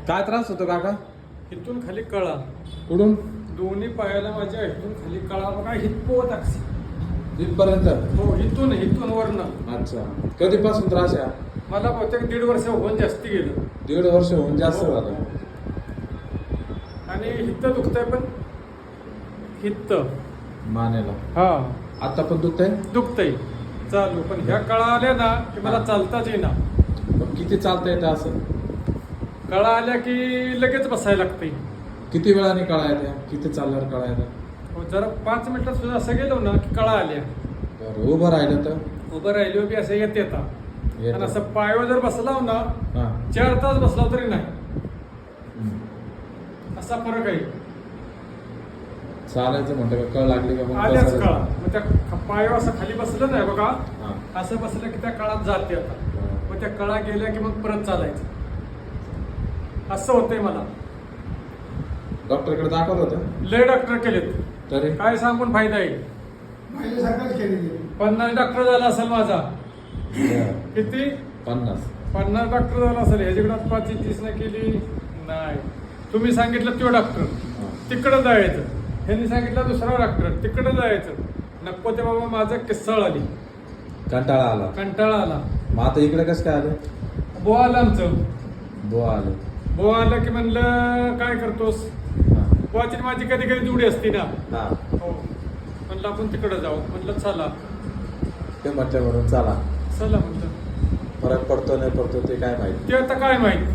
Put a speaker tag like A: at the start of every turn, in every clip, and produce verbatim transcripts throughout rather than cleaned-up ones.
A: काय त्रास होतो काका?
B: इथून खाली कळा,
A: कुठून
B: दोन्ही पायाला माझ्या इथून खाली कळा बघा, हितपोत अक्षी.
A: इथपर्यंत?
B: हो, इथून इथून वरनं.
A: अच्छा, कधीपासून त्रास आहे?
B: मला बहुतेक दीड वर्ष होऊन जास्ती गेलं.
A: दीड वर्ष होऊन जास्त
B: हो.
A: झालं.
B: आणि हित्त दुखतंय, पण हित्त
A: मानेला
B: हा
A: आता पण दुखतंय?
B: दुखतंय चालू, पण ह्या कळा आल्या ना की मला
A: हा.
B: चालताच येईना.
A: मग किती चालता येतं असं?
B: कळा आल्या की लगेच बसायला लागतंय.
A: किती वेळाने कळा येत्या? किती चालल्यावर कळा येत्या?
B: हो, जरा पाच मिनिटात सुद्धा असं गेलो ना की कळा आल्या.
A: बरं, उभं राहिलं तर?
B: उभं राहिलो की असं येत येता.
A: येतं.
B: आणि असं पायावर जर बसलाव ना,
A: हा.
B: चार तास बसला तरी नाही,
A: हम्म.
B: असा फरक आहे.
A: चालायचं म्हणतं का कळ लागली का मग
B: आल्याच
A: बसायला?
B: कळा, मग त्या ख- पायावर असं खाली बसलं नाही बघा,
A: हा.
B: असं बसलं की त्या कळात जाते आता. मग त्या कळा गेल्या की मग परत चालायचं. असं होतंय मला.
A: डॉक्टरकडे दाखवलं होतं?
B: लय डॉक्टर केलेत,
A: तरी
B: काय सांगून फायदा आहे.
C: माझ्यासारखंच केलेली.
B: पन्नास डॉक्टर झाला असेल माझा.
A: बरं.
B: किती?
A: पन्नास.
B: पन्नास डॉक्टर झाला असेल. ह्याच्याकडे पाच तीस न केली नाही. तुम्ही सांगितलं तो डॉक्टर,
A: हा.
B: तिकडं जायचं. ह्यांनी सांगितलं दुसरा डॉक्टर, तिकडं जायचं. नको ते बाबा, माझं किस्साळ आली,
A: कंटाळा आला.
B: कंटाळा आला.
A: मग आता इकडे कसं काय आलं?
B: बुवा आलं आमचं.
A: बुवा आलं.
B: बुवा आलं की म्हणलं काय करतोस?
A: हा.
B: बुवाची माझी कधी कधी जुडी असती ना.
A: हा.
B: हो, म्हणलं आपण तिकडं जाऊ. म्हणलं चला
A: ते म्हटलं म्हणून चला.
B: चला म्हणलं.
A: फरक पडतो नाही पडतो ते काय माहिती.
B: ते आता काय माहित.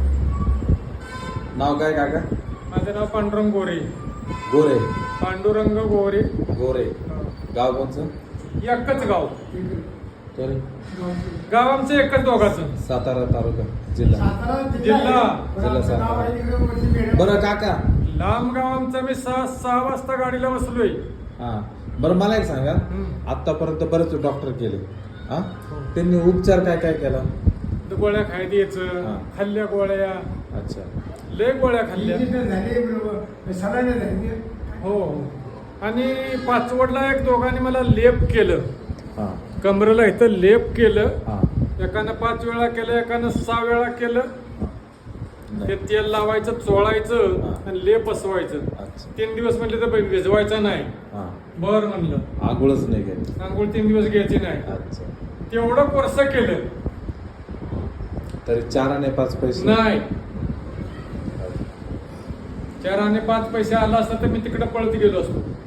A: नाव काय काका?
B: माझं नाव पांडुरंग गोरे.
A: गोरे.
B: पांडुरंग गोरे.
A: गोरे.
B: हा.
A: गाव कोणचं?
B: एकच गाव.
A: तरी
B: गाव आमचं एकच दोघाचं.
A: सातारा तालुका जिल्हा.
C: सातारा
B: जिल्हा.
C: पण
A: जिल्हा
C: आमचं
A: सातारा.
C: गाव आहे इकडे वरती बेडा.
A: बरं काका,
B: लांब गाव आमचं. मी सहा सहा वाजता गाडीला बसलोय.
A: हा बरं मला एक सांगा,
B: हम्म.
A: आतापर्यंत बरेच डॉक्टर केले, हा
B: हो.
A: त्यांनी उपचार काय काय केला?
B: गोळ्या खाय द्यायचं,
A: हा.
B: खाल्ल्या गोळ्या,
A: अच्छा.
B: लय गोळ्या खाल्ल्या.
C: इंजेक्शन झाले बरोबर, सलाईन झाली.
B: हो हो. आणि पाचवडला एक दोघांनी मला लेप केलं,
A: हा.
B: कमरेला इथं लेप केलं.
A: हा.
B: एकानं पाच वेळा केलं, एकानं सहा वेळा केलं.
A: नाही.
B: ते तेल लावायचं, चोळायचं
A: हा.
B: आणि लेप बसवायचं.
A: अच्छा.
B: तीन दिवस म्हणले तर भिजवायचा नाही.
A: हा.
B: बर म्हणलं,
A: आंघोळच नाही केली.
B: आंघोळ तीन दिवस घ्यायची नाही.
A: अच्छा.
B: तेवढं कोर्स केलं
A: तरी चार आणि पाच पैसे
B: नाही. चार आणि पाच पैसे आला असता तर मी तिकडे पळत गेलो असतो.